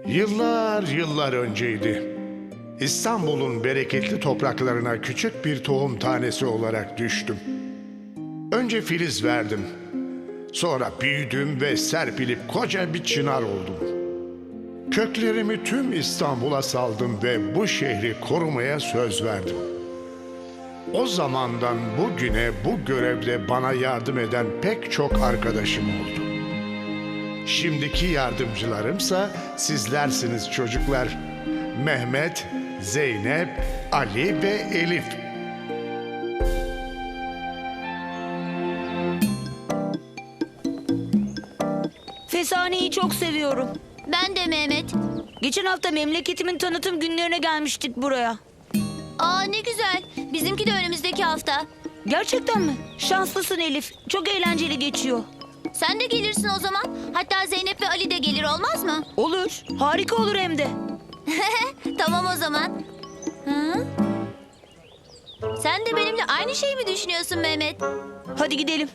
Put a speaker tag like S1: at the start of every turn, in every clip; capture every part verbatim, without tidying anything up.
S1: Yıllar yıllar önceydi. İstanbul'un bereketli topraklarına küçük bir tohum tanesi olarak düştüm. Önce filiz verdim. Sonra büyüdüm ve serpilip koca bir çınar oldum. Köklerimi tüm İstanbul'a saldım ve bu şehri korumaya söz verdim. O zamandan bugüne bu görevde bana yardım eden pek çok arkadaşım oldu. Şimdiki yardımcılarımsa sizlersiniz çocuklar. Mehmet, Zeynep, Ali ve Elif.
S2: Fesane'yi çok seviyorum.
S3: Ben de Mehmet.
S2: Geçen hafta memleketimin tanıtım günlerine gelmiştik buraya.
S3: Aa ne güzel. Bizimki de önümüzdeki hafta.
S2: Gerçekten mi? Şanslısın Elif. Çok eğlenceli geçiyor.
S3: Sen de gelirsin o zaman. Hatta Zeynep ve Ali de gelir, olmaz mı?
S2: Olur. Harika olur hem de.
S3: Tamam o zaman. Hı? Sen de benimle aynı şeyi mi düşünüyorsun Mehmet?
S2: Hadi gidelim.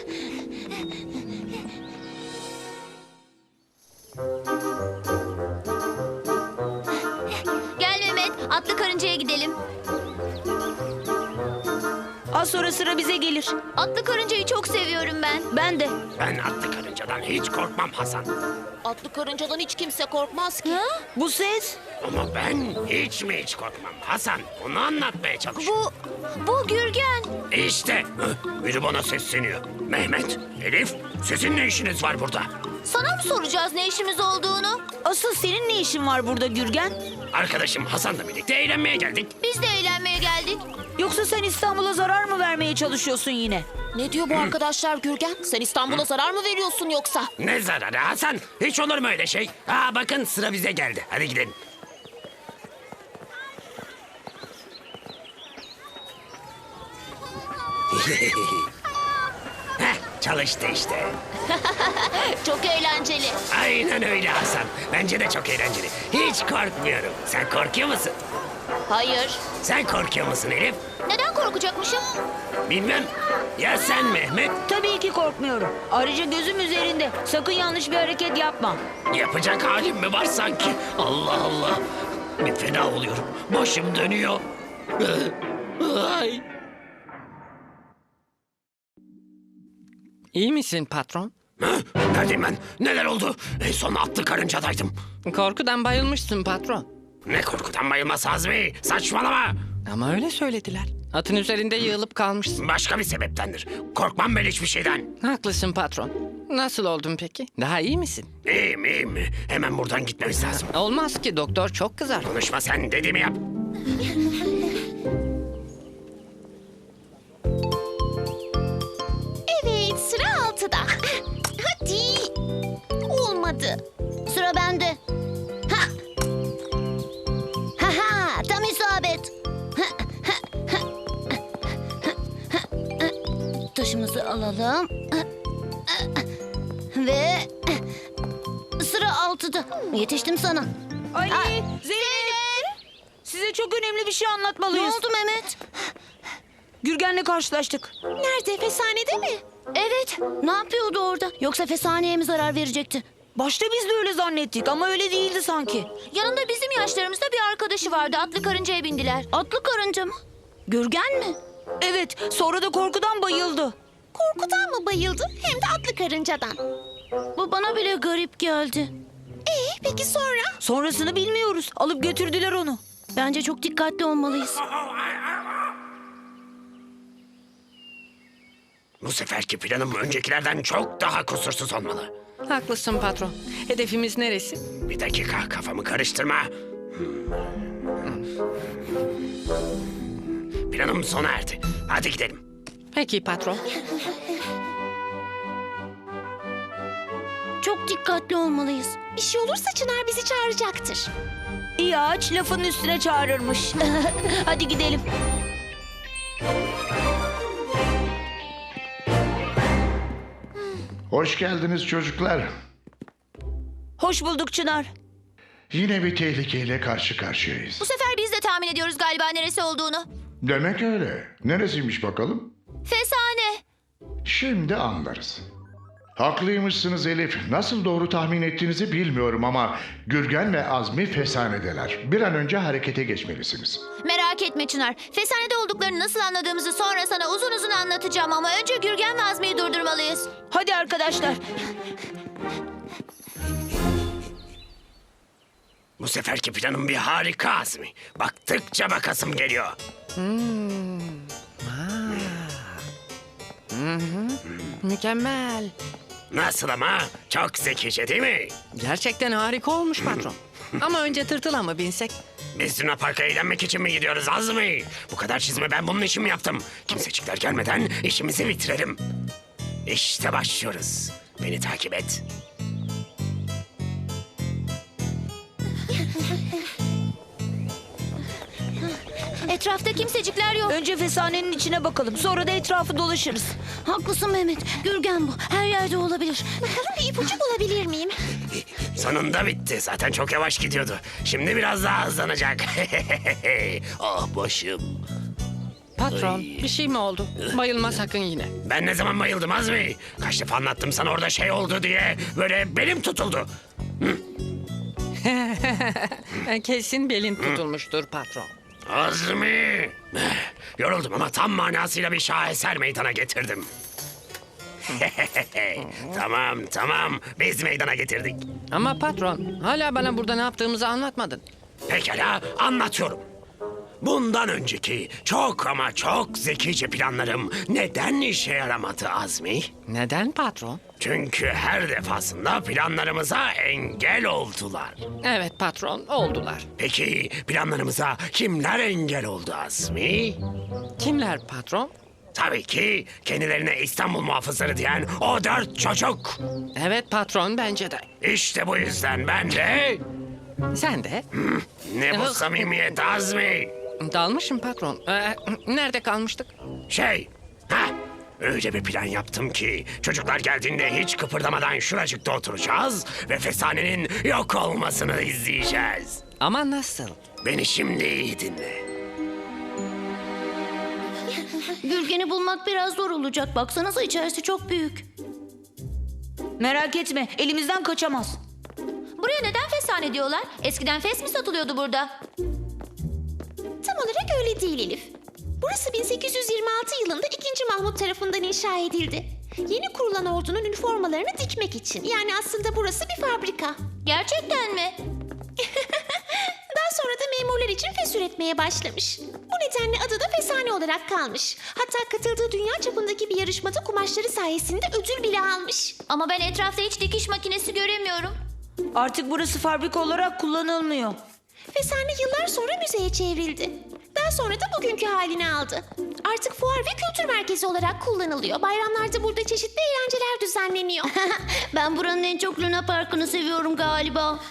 S3: Gel Mehmet, atlı karıncaya gidelim.
S2: Az sonra sıra bize gelir.
S3: Atlı karıncayı çok seviyorum ben.
S2: Ben de.
S4: Ben atlı karıncadan hiç korkmam Hasan.
S5: Atlı karıncadan hiç kimse korkmaz ki.
S3: Ha?
S2: Bu ses?
S4: Ama ben hiç mi hiç korkmam Hasan? Onu anlatmaya çalışıyorum.
S3: Bu, bu Gürgen.
S4: İşte hı, biri bana sesleniyor. Mehmet, Elif, sizin ne işiniz var burada?
S3: Sana mı soracağız ne işimiz olduğunu?
S2: Asıl senin ne işin var burada Gürgen?
S4: Arkadaşım Hasan'la birlikte eğlenmeye geldik.
S3: Biz de eğlenmeye geldik.
S2: Yoksa sen İstanbul'a zarar mı vermeye çalışıyorsun yine?
S5: Ne diyor bu arkadaşlar Gürgen? Sen İstanbul'a zarar mı veriyorsun yoksa?
S4: Ne zararı Hasan? Hiç olur mu öyle şey? Aa bakın sıra bize geldi. Hadi gidelim. Heh, çalıştı işte.
S3: Çok eğlenceli.
S4: Aynen öyle Hasan. Bence de çok eğlenceli. Hiç korkmuyorum. Sen korkuyor musun?
S3: Hayır.
S4: Sen korkuyor musun Elif?
S3: Neden korkacakmışım?
S4: Bilmem. Ya sen Mehmet?
S2: Tabii ki korkmuyorum. Ayrıca gözüm üzerinde. Sakın yanlış bir hareket yapma.
S4: Yapacak halim mi var sanki? Allah Allah. Bir fena oluyorum. Başım dönüyor. Ay.
S6: İyi misin patron?
S4: Hı? Neredeyim ben? Neler oldu? En son atlı karıncadaydım.
S6: Korkudan bayılmışsın patron.
S4: Ne korkudan bayılmaz Azmi? Saçmalama.
S6: Ama öyle söylediler. Atın üzerinde yığılıp kalmışsın.
S4: Başka bir sebeptendir. Korkmam ben hiçbir şeyden.
S6: Haklısın patron. Nasıl oldun peki? Daha iyi misin?
S4: İyiyim iyiyim. Hemen buradan gitmemiz lazım.
S6: Olmaz ki doktor çok kızar.
S4: Konuşma sen, dediğimi yap.
S3: Evet, sıra altıda. Hadi. Olmadı. Sıra bende. Ha. Ha ha, tam isabet. Taşımızı alalım. Ve sıra altıda. Yetiştim sana.
S2: Ali,
S3: Aa,
S2: Zeynep. Size çok önemli bir şey
S3: Ne
S2: anlatmalıyız.
S3: oldu Mehmet?
S2: Gürgen'le karşılaştık.
S3: Nerede? Fesanede mi? Evet. Ne yapıyordu orada? Yoksa fesaneye mi zarar verecekti?
S2: Başta biz de öyle zannettik ama öyle değildi sanki.
S3: Yanında bizim yaşlarımızda bir arkadaşı vardı. Atlı karıncaya bindiler. Atlı karınca mı? Gürgen mi?
S2: Evet, sonra da korkudan bayıldı.
S3: Korkudan mı bayıldı? Hem de atlı karıncadan. Bu bana bile garip geldi. Ee, peki sonra?
S2: Sonrasını bilmiyoruz. Alıp götürdüler onu.
S3: Bence çok dikkatli olmalıyız.
S4: Bu seferki planım öncekilerden çok daha kusursuz olmalı.
S6: Haklısın patron. Hedefimiz neresi?
S4: Bir dakika, kafamı karıştırma. Planım sona erdi. Hadi gidelim.
S6: Peki patron.
S3: Çok dikkatli olmalıyız. Bir şey olursa Çınar bizi çağıracaktır.
S2: İyi ağaç lafın üstüne çağırırmış. Hadi gidelim.
S1: Hoş geldiniz çocuklar.
S2: Hoş bulduk Çınar.
S1: Yine bir tehlikeyle karşı karşıyayız.
S3: Bu sefer biz de tahmin ediyoruz galiba neresi olduğunu.
S1: Demek öyle. Neresiymiş bakalım?
S3: Fesane.
S1: Şimdi anlarız. Haklıymışsınız Elif. Nasıl doğru tahmin ettiğinizi bilmiyorum ama Gürgen ve Azmi fesanedeler. Bir an önce harekete geçmelisiniz.
S3: Merak etme Çınar. Fesanede olduklarını nasıl anladığımızı sonra sana uzun uzun anlatacağım ama önce Gürgen ve Azmi'yi durdurmalıyız.
S2: Hadi arkadaşlar.
S4: Bu seferki planım bir harika Azmi. Baktıkça bakasım geliyor.
S6: Mükemmel.
S4: Nasıl ama? Çok zekice değil mi?
S6: Gerçekten harika olmuş patron. Ama önce tırtıla mı binsek?
S4: Biz Luna Park'a eğlenmek için mi gidiyoruz Azmi? Bu kadar çizme ben bunun için mi yaptım? Kimsecikler gelmeden işimizi bitirelim. İşte başlıyoruz. Beni takip et.
S3: Etrafta kimsecikler yok.
S2: Önce fesanenin içine bakalım. Sonra da etrafı dolaşırız.
S3: Haklısın Mehmet. Gürgen bu. Her yerde olabilir. Bakalım bir ipucu bulabilir miyim?
S4: Sonunda bitti. Zaten çok yavaş gidiyordu. Şimdi biraz daha hızlanacak. Ah başım.
S6: Patron bir şey mi oldu? Bayılma sakın yine.
S4: Ben ne zaman bayıldım Azmi? Kaç defa anlattım sana orada şey oldu diye. Böyle belim tutuldu.
S6: Kesin belin tutulmuştur patron.
S4: Azmi! Yoruldum ama tam manasıyla bir şaheser meydana getirdim. Tamam tamam biz meydana getirdik.
S6: Ama patron hala bana burada ne yaptığımızı anlatmadın.
S4: Pekala anlatıyorum. Bundan önceki çok ama çok zekice planlarım neden işe yaramadı Azmi?
S6: Neden patron?
S4: Çünkü her defasında planlarımıza engel oldular.
S6: Evet patron oldular.
S4: Peki planlarımıza kimler engel oldu Azmi?
S6: Kimler patron?
S4: Tabii ki kendilerine İstanbul muhafızları diyen o dört çocuk.
S6: Evet patron bence de.
S4: İşte bu yüzden ben de...
S6: Sen de?
S4: Ne bu samimiyet Azmi?
S6: Dalmışım patron. Ee, nerede kalmıştık?
S4: Şey, ha öyle bir plan yaptım ki çocuklar geldiğinde hiç kıpırdamadan şuracıkta oturacağız ve fesanenin yok olmasını izleyeceğiz.
S6: Ama nasıl?
S4: Beni şimdi iyi dinle.
S3: Gürgen'i bulmak biraz zor olacak. Baksanıza içerisi çok büyük.
S2: Merak etme, elimizden kaçamaz.
S3: Buraya neden fesane diyorlar? Eskiden fes mi satılıyordu burada?
S7: Tam olarak öyle değil Elif. Burası bin sekiz yüz yirmi altı yılında ikinci. Mahmut tarafından inşa edildi. Yeni kurulan ordunun üniformalarını dikmek için. Yani aslında burası bir fabrika.
S3: Gerçekten mi?
S7: Daha sonra da memurlar için fes üretmeye başlamış. Bu nedenle adı da fesane olarak kalmış. Hatta katıldığı dünya çapındaki bir yarışmada kumaşları sayesinde ödül bile almış.
S3: Ama ben etrafta hiç dikiş makinesi göremiyorum.
S2: Artık burası fabrika olarak kullanılmıyor.
S7: Fesane yıllar sonra müzeye çevrildi. Daha sonra da bugünkü halini aldı. Artık fuar ve kültür merkezi olarak kullanılıyor. Bayramlarda burada çeşitli eğlenceler düzenleniyor.
S3: Ben buranın en çok Luna Park'ını seviyorum galiba.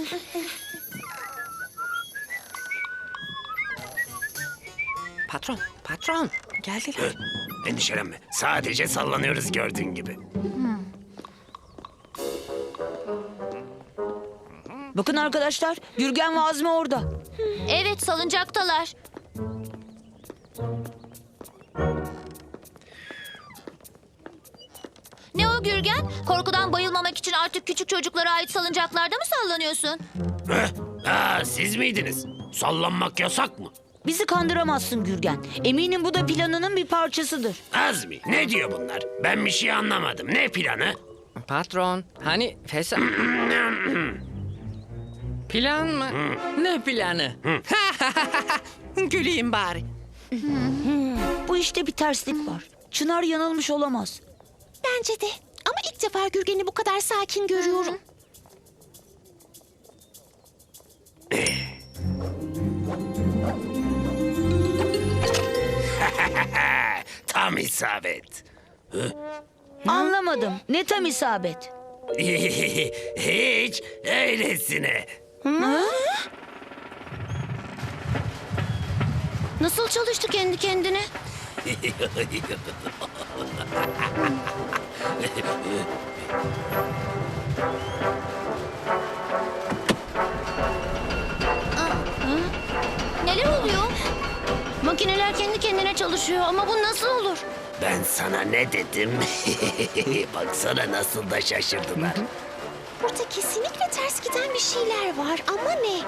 S6: Patron, patron. Geldiler.
S4: Endişelenme. Sadece sallanıyoruz gördüğün gibi.
S2: Bakın arkadaşlar, Gürgen ve Azmi orada.
S3: Evet, salıncaktalar. Ne o Gürgen? Korkudan bayılmamak için artık küçük çocuklara ait salıncaklarda mı sallanıyorsun?
S4: Heh, ha, siz miydiniz? Sallanmak yasak mı?
S2: Bizi kandıramazsın Gürgen. Eminim bu da planının bir parçasıdır.
S4: Azmi ne diyor bunlar? Ben bir şey anlamadım. Ne planı?
S6: Patron, hani fesa... Plan mı? Ne planı? Güleyim bari.
S2: Bu işte bir terslik var. Çınar yanılmış olamaz.
S7: Bence de. Ama ilk defa Gürgen'i bu kadar sakin görüyorum.
S4: Tam isabet.
S2: Anlamadım. Ne tam isabet.
S4: Hiç öylesine.
S3: Nasıl çalıştı kendi kendine? Neler oluyor? Makineler kendi kendine çalışıyor ama bu nasıl olur?
S4: Ben sana ne dedim? Baksana nasıl da şaşırdılar.
S7: Burada kesinlikle ters giden bir şeyler var ama ne?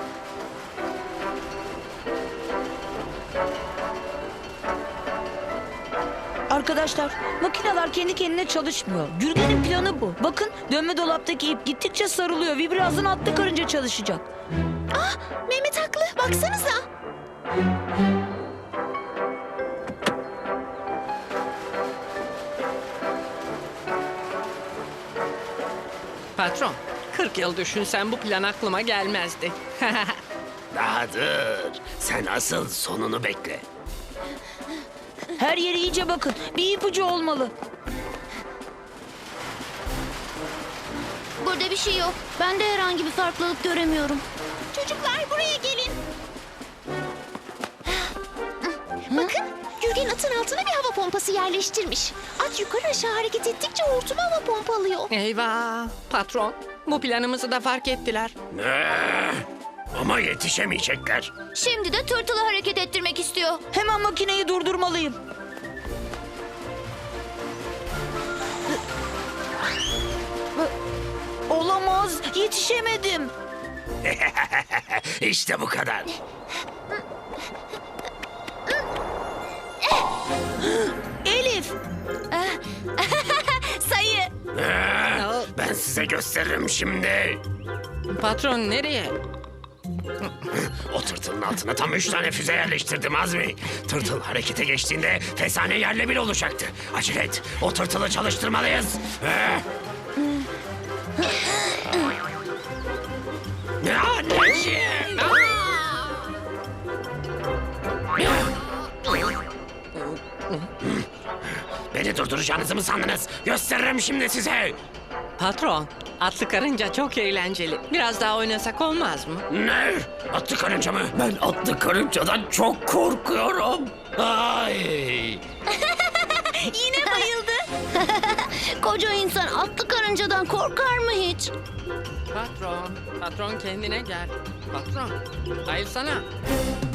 S2: Arkadaşlar, makineler kendi kendine çalışmıyor. Gürgen'in planı bu. Bakın, dönme dolaptaki ip gittikçe sarılıyor ve birazdan atlı karınca çalışacak.
S7: Ah, Mehmet haklı. Baksanıza.
S6: Patron, kırk yıl düşünsen bu plan aklıma gelmezdi.
S4: Daha dur. Sen asıl sonunu bekle.
S2: Her yere iyice bakın. Bir ipucu olmalı.
S3: Burada bir şey yok. Ben de herhangi bir farklılık göremiyorum.
S7: Çocuklar buraya gelin. Bakın, Gürgen atın altına bir hava pompası yerleştirmiş. At yukarı aşağı hareket ettikçe hortum hava pompalıyor.
S6: Eyvah! Patron, bu planımızı da fark ettiler.
S4: Ne? Ama yetişemeyecekler.
S3: Şimdi de tırtılı hareket ettirmek istiyor.
S2: Hemen makineyi durdurmalıyım. Olamaz. Yetişemedim.
S4: İşte bu kadar.
S2: Elif.
S3: Sayı.
S4: Ee, Ben size gösteririm şimdi.
S6: Patron nereye?
S4: O tırtılın altına tam üç tane füze yerleştirdim Azmi. Tırtıl harekete geçtiğinde fesane yerle bir olacaktı. Acele et. O tırtılı çalıştırmalıyız. Ee? Ne anneciğim? Beni durduracağınızı mı sandınız? Gösteririm şimdi size.
S6: Patron, atlı karınca çok eğlenceli. Biraz daha oynasak olmaz mı?
S4: Ne? Atlı karınca mı? Ben atlı karıncadan çok korkuyorum. Ay.
S3: Yine bayıldı. Koca insan atlı karıncadan korkar mı hiç?
S6: Patron, patron kendine gel. Patron, hayır sana.